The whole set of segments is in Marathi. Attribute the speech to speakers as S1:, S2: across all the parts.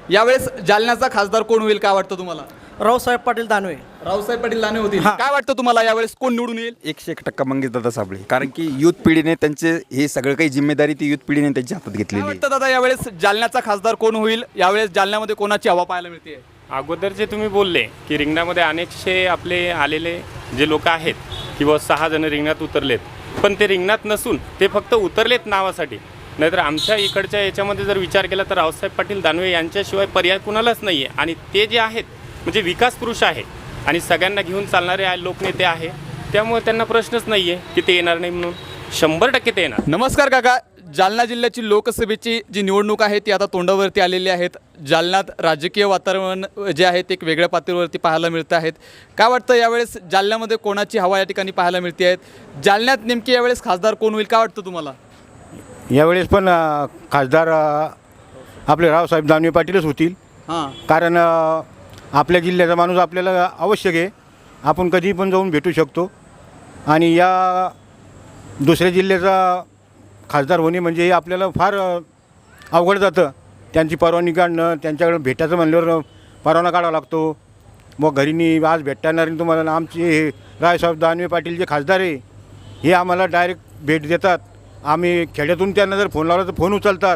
S1: यावेळेस जालन्याचा खासदार कोण होईल काय वाटतं तुम्हाला?
S2: रावसाहेब पाटील दानवे.
S1: रावसाहेब पाटील दानवे होतील. काय वाटतं तुम्हाला यावेळेस कोण निवडून येईल?
S3: 101% मंगेशदादा साबळे, कारण की युथ पिढीने त्यांचे हे सगळं काही जिम्मेदारी ती युथ पिढीने त्यांच्या हातात
S1: काय
S3: घेतलेली आहे.
S1: वाटतं दादा यावेळेस जालन्याचा खासदार कोण होईल? यावेळेस जालन्यामध्ये कोणाची हवा पाहायला मिळते?
S4: अगोदर जे तुम्ही बोलले की रिंगणामध्ये अनेकशे आपले आलेले जे लोक आहेत किंवा 6 जण रिंगणात उतरलेत, पण ते रिंगणात नसून ते फक्त उतरलेत नावासाठी. नाहीतर आमच्या इकडच्या याच्यामध्ये जर विचार केला तर रावसाहेब पाटील दानवे यांच्याशिवाय पर्याय कुणालाच नाही आहे. आणि ते जे आहेत म्हणजे विकास पुरुष आहे आणि सगळ्यांना घेऊन चालणारे लोकनेते आहे, त्यामुळे त्यांना प्रश्नच नाही आहे की ते येणार नाही म्हणून. 100% ते येणार.
S1: नमस्कार काका. जालना जिल्ह्याची लोकसभेची जी निवडणूक आहे ती आता तोंडावरती आलेली आहेत. जालन्यात राजकीय वातावरण जे आहे ते एक वेगळ्या पातळीवरती पाहायला मिळतं आहेत. काय वाटतं यावेळेस जालन्यामध्ये कोणाची हवा या ठिकाणी पाहायला मिळते आहेत? जालन्यात नेमकी यावेळेस खासदार कोण होईल काय वाटतं तुम्हाला?
S5: यावेळेस पण खासदार आपले रावसाहेब दानवे पाटीलच होतील.
S1: हां,
S5: कारण आपल्या जिल्ह्याचा माणूस आपल्याला आवश्यक आहे. आपण कधी पण जाऊन भेटू शकतो. आणि या दुसऱ्या जिल्ह्याचा खासदार होणे म्हणजे हे आपल्याला फार अवघड जातं. त्यांची परवानगी काढणं, त्यांच्याकडे भेटायचं म्हणल्यावर परवाना काढावा लागतो. मग घरीनी आज भेटणार तुम्हाला. आमचे हे रावसाहेब दानवे पाटील जे खासदार आहे हे आम्हाला डायरेक्ट भेट देतात. आम्ही खेड्यातून त्यांना जर फोन लावला तर फोन उचलतात.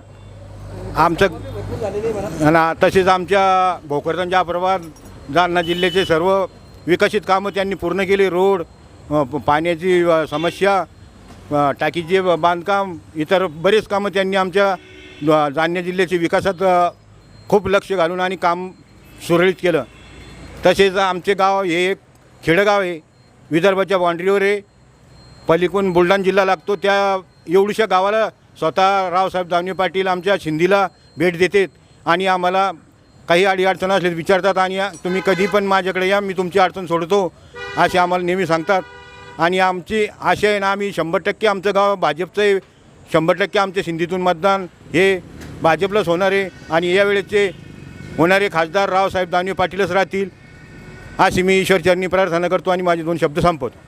S5: आमचं आणि तसेच आमच्या भोकरदन जाफराबाद जालना जिल्ह्याचे सर्व विकसित कामं त्यांनी पूर्ण केली. रोड, पाण्याची समस्या, टाकीचे बांधकाम, इतर बरेच कामं त्यांनी आमच्या जालना जिल्ह्याच्या विकासात खूप लक्ष घालून आणि काम सुरळीत केलं. तसेच आमचे गाव हे एक खेडगाव आहे, विदर्भाच्या बाँड्रीवर आहे. पलीकडून बुलढाणा जिल्हा लागतो. त्या एवढ्याशा गावाला स्वतः रावसाहेब दानवे पाटील आमच्या शिंदीला भेट देतात आणि आम्हाला काही अडीअडचण असले विचारतात. आणि तुम्ही कधी पण माझ्याकडे या, मी तुमची अडचण सोडतो असे आम्हाला नेहमी सांगतात. आणि आमची आशा आहे ना, आम्ही 100% आमचं गाव भाजपचं आहे. 100% आमच्या सिंधीतून मतदान हे भाजपलाच होणार आहे. आणि यावेळेचे होणारे खासदार रावसाहेब दानवे पाटीलच राहतील अशी मी ईश्वरचरणी प्रार्थना करतो आणि माझे 2 शब्द संपवतो.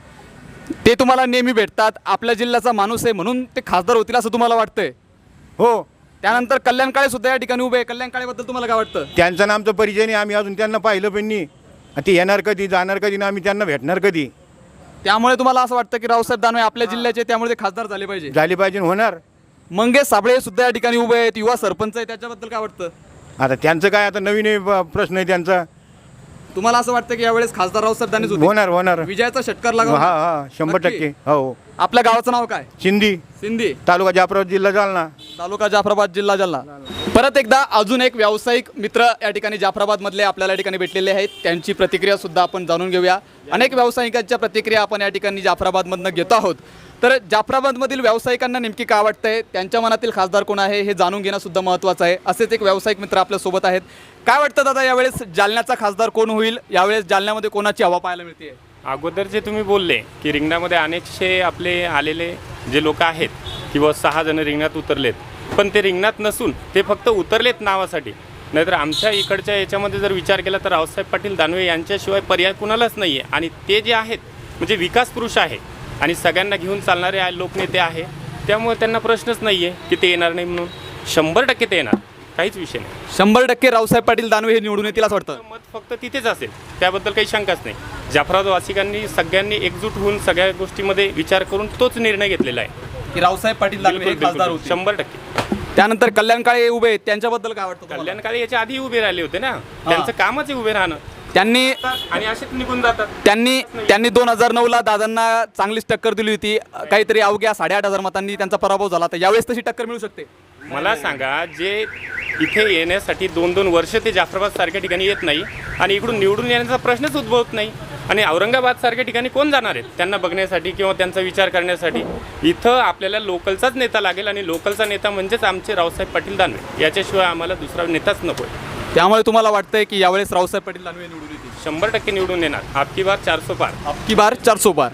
S1: ते तुम्हाला नेहमी भेटतात, आपल्या जिल्ह्याचा माणूस आहे म्हणून ते खासदार होतील असं तुम्हाला वाटतंय?
S5: हो,
S1: त्यानंतर कल्याण काळे सुद्धा या ठिकाणी उभे आहे. कल्याण काळेबद्दल तुम्हाला काय वाटतं?
S5: त्यांचा ना आमचा परिचय नाही. आम्ही अजून त्यांना पाहिलं पण नाही. ते येणार कधी, जाणार कधी ना, आम्ही त्यांना भेटणार कधी.
S1: त्यामुळे तुम्हाला असं वाटतं की रावसाहेब दानवे आपल्या जिल्ह्याचे, त्यामुळे ते खासदार झाले पाहिजे?
S5: झाली पाहिजे, होणार.
S1: मंगेश साबळे सुद्धा या ठिकाणी उभे आहेत, युवा सरपंच आहे, त्याच्याबद्दल काय वाटतं?
S5: आता त्यांचं काय, आता नवीन प्रश्न आहे त्यांचा.
S1: तुम्हाला असं वाटतं की यावेळेस खासदार रावसाहेब दानवे होतील?
S5: होणार.
S1: विजयाचा षटकार
S5: हा
S1: लागला?
S5: हा 100%. हो.
S1: आपल्या गावाचं नाव काय?
S5: सिंधी,
S1: सिंधी,
S5: तालुका जाफराबाद, जिल्हा जालना.
S1: तालुका जाफराबाद, जिल्हा जालना. परत एकदा अजून एक व्यावसायिक मित्र या ठिकाणी जाफराबादमधले आपल्याला या ठिकाणी भेटलेले आहेत. त्यांची प्रतिक्रिया सुद्धा आपण जाणून घेऊया. अनेक व्यावसायिकांच्या प्रतिक्रिया आपण या ठिकाणी जाफराबादमधनं घेतो आहोत. तर जाफराबादमधील व्यावसायिकांना नेमकी काय वाटतंय, त्यांच्या मनातील खासदार कोण आहे हे जाणून घेणं सुद्धा महत्त्वाचं आहे. असेच एक व्यावसायिक मित्र आपल्यासोबत आहेत. काय वाटतं दादा यावेळेस जालन्याचा खासदार कोण होईल? यावेळेस जालन्यामध्ये कोणाची हवा पाहायला मिळते?
S4: अगोदर जे तुम्ही बोलले की रिंगणामध्ये अनेकशे आपले आलेले जे लोक आहेत किंवा 6 जण रिंगणात उतरलेत, पण ते रिंगणात नसून ते फक्त उतरलेत नावासाठी. नाहीतर आमच्या इकडच्या याच्यामध्ये जर विचार केला तर रावसाहेब पाटील दानवे यांच्याशिवाय पर्याय कुणालाच नाही आहे. आणि ते जे आहेत म्हणजे विकास पुरुष आहे आणि सगळ्यांना घेऊन चालणारे लोकनेते आहे, त्यामुळे त्यांना प्रश्नच नाही आहे की ते येणार नाही म्हणून. 100% ते येणार, काहीच विषय नाही.
S1: 100% रावसाहेब पाटील दानवे हे निवडून येतील असं वाटतं?
S4: मत फक्त तिथेच असेल, त्याबद्दल काही शंकाच नाही. जाफराबादवासिकांनी सगळ्यांनी एकजूट होऊन सगळ्या गोष्टीमध्ये विचार करून तोच निर्णय घेतलेला आहे
S1: की रावसाहेब पाटील दानवे हे खासदार होतील?
S4: 100%.
S1: त्यानंतर कल्याण काळे उभे आहेत, त्यांच्याबद्दल काय वाटतं तुम्हाला?
S4: कल्याण काळे याच्या आधी उभे राहिले होते ना, त्यांचं कामच आहे उभे राहणं.
S1: त्यांनी
S4: आणि असेच निघून जातात.
S1: त्यांनी 2009ला दादांना चांगलीच टक्कर दिली होती. काहीतरी अवघ्या 8,500 मतांनी त्यांचा पराभव झाला. तर यावेळेस तशी टक्कर मिळू शकते?
S4: मला सांगा, जे इथे येण्यासाठी 2-2 वर्ष ते जाफराबाद सारख्या ठिकाणी येत नाही आणि इकडून निवडून येण्याचा प्रश्नच उद्भवत नाही. आणि औरंगाबाद सारख्या ठिकाणी कोण जाणार आहेत त्यांना बघण्यासाठी किंवा त्यांचा विचार करण्यासाठी? इथं आपल्याला लोकलचाच नेता लागेल आणि लोकलचा नेता म्हणजेच आमचे रावसाहेब पाटील दानवे. याच्याशिवाय आम्हाला दुसरा नेताच नको आहे.
S1: त्यामुळे तुम्हाला वाटतंय की यावेळेस रावसाहेब पाटील दानवे निवडून येतील?
S4: 100% निवडून येणार. आपकी बार 400 पार.
S1: आपकी बार 400 पार.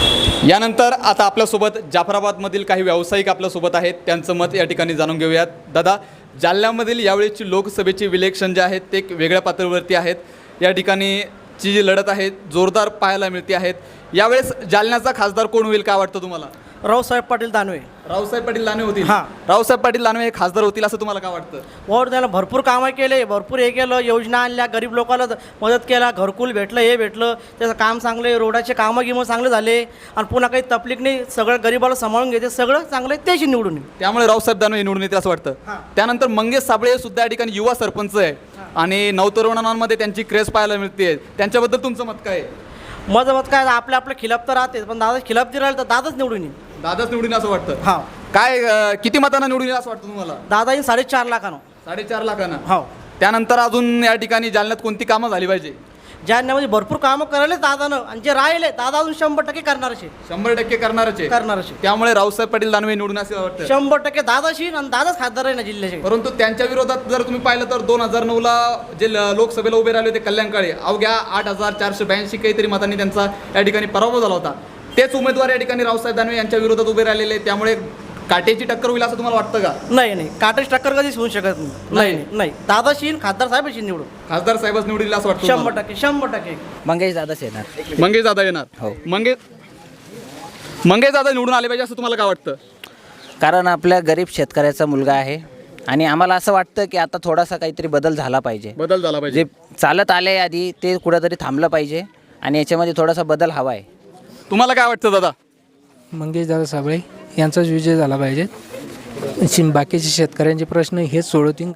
S1: यानंतर आता आपल्यासोबत जाफराबादमधील काही व्यावसायिक आपल्यासोबत आहेत, त्यांचं मत या ठिकाणी जाणून घेऊयात. दादा, जालन्यामधील यावेळेची लोकसभेची इलेक्शन जे आहेत ते एक वेगळ्या पातळीवरती आहेत. या ठिकाणी ची जी लढत आहे जोरदार पाहायला मिळते आहेत. यावेळेस जालन्याचा खासदार कोण होईल काय वाटतं तुम्हाला?
S2: रावसाहेब पाटील दानवे.
S1: रावसाहेब पाटील दानवे होतील.
S2: हां.
S1: रावसाहेब पाटील दानवे हे खासदार होतील असं तुम्हाला काय वाटतं?
S2: वर त्याला भरपूर कामं केले, भरपूर हे केलं, योजना आणल्या, गरीब लोकांना मदत केला, घरकुल भेटलं, हे भेटलं, त्याचं काम चांगले, रोडाचे कामं गिमं चांगले झाले आणि पुन्हा काही तकलीफ नाही, सगळं गरीबाला सांभाळून घेते, सगळं चांगलं आहे, त्याशी निवडून येईल.
S1: त्यामुळे रावसाहेब दानवे निवडून येतील असं वाटतं. त्यानंतर मंगेश साबळे सुद्धा या ठिकाणी युवा सरपंच आहे आणि नवतरुणांमध्ये त्यांची क्रेज पाहायला मिळते. त्यांच्याबद्दल तुमचं मत काय आहे?
S2: माझं मत काय, आपलं खिलाफ तर राहते, पण दादा खिलाफ जर राहिलं तर दादाच निवडून येईल.
S1: दादाच निवडून असं वाटतं.
S2: हा.
S1: काय किती मतांना निवडून येईल असं वाटतं तुम्हाला?
S2: दादा येईल 4.5 लाखानं.
S1: 4.5 लाखांना.
S2: हो.
S1: त्यानंतर अजून या ठिकाणी जालन्यात कोणती कामं झाली पाहिजे?
S2: जालन्यामध्ये भरपूर कामं करायला दादानं, आणि जे राहिले दादा अजून 100% करणारच आहे.
S1: 100% करणारच आहे.
S2: करणारच आहे.
S1: त्यामुळे रावसाहेब पाटील दानवे निवडून असं वाटतं.
S2: 100% दादाशी आणि दादाच खासदार आहे ना जिल्ह्याचे.
S1: परंतु त्यांच्या विरोधात जर तुम्ही पाहिलं तर 2009ला जे लोकसभेला उभे राहिले होते कल्याण काळे, अवघ्या 8,482 काहीतरी मतांनी त्यांचा या ठिकाणी पराभव झाला होता. तेच उमेदवार या ठिकाणी रावसाहेब दानवे यांच्या विरोधात उभे राहिलेले, त्यामुळे काटेची टक्कर होईल असं तुम्हाला वाटतं का?
S2: नाही, काटेच टक्कर कधीच होऊ शकत नाही. नाही, दादाशी आणि खासदार साहेबाशी निवडून
S1: खासदार साहेबच निवडील असं वाटतं तुम्हाला?
S2: 100%.
S6: मंगेश दादाच येणार.
S1: मंगेश दादा येणार.
S6: हो.
S1: मंगेश दादा निवडून आले पाहिजे असं तुम्हाला काय वाटतं?
S6: कारण आपल्या गरीब शेतकऱ्याचा मुलगा आहे आणि आम्हाला असं वाटतं की आता थोडासा काहीतरी बदल झाला पाहिजे.
S1: बदल झाला पाहिजे.
S6: जे चालत आले आधी ते कुठंतरी थांबलं पाहिजे आणि याच्यामध्ये थोडासा बदल हवा आहे.
S1: तुम्हाला काय वाटतं दादा?
S7: मंगेश दादा साबळे यांचाच विजय झाला पाहिजे. बाकीचे शेतकऱ्यांचे प्रश्न हेच सोडवतील.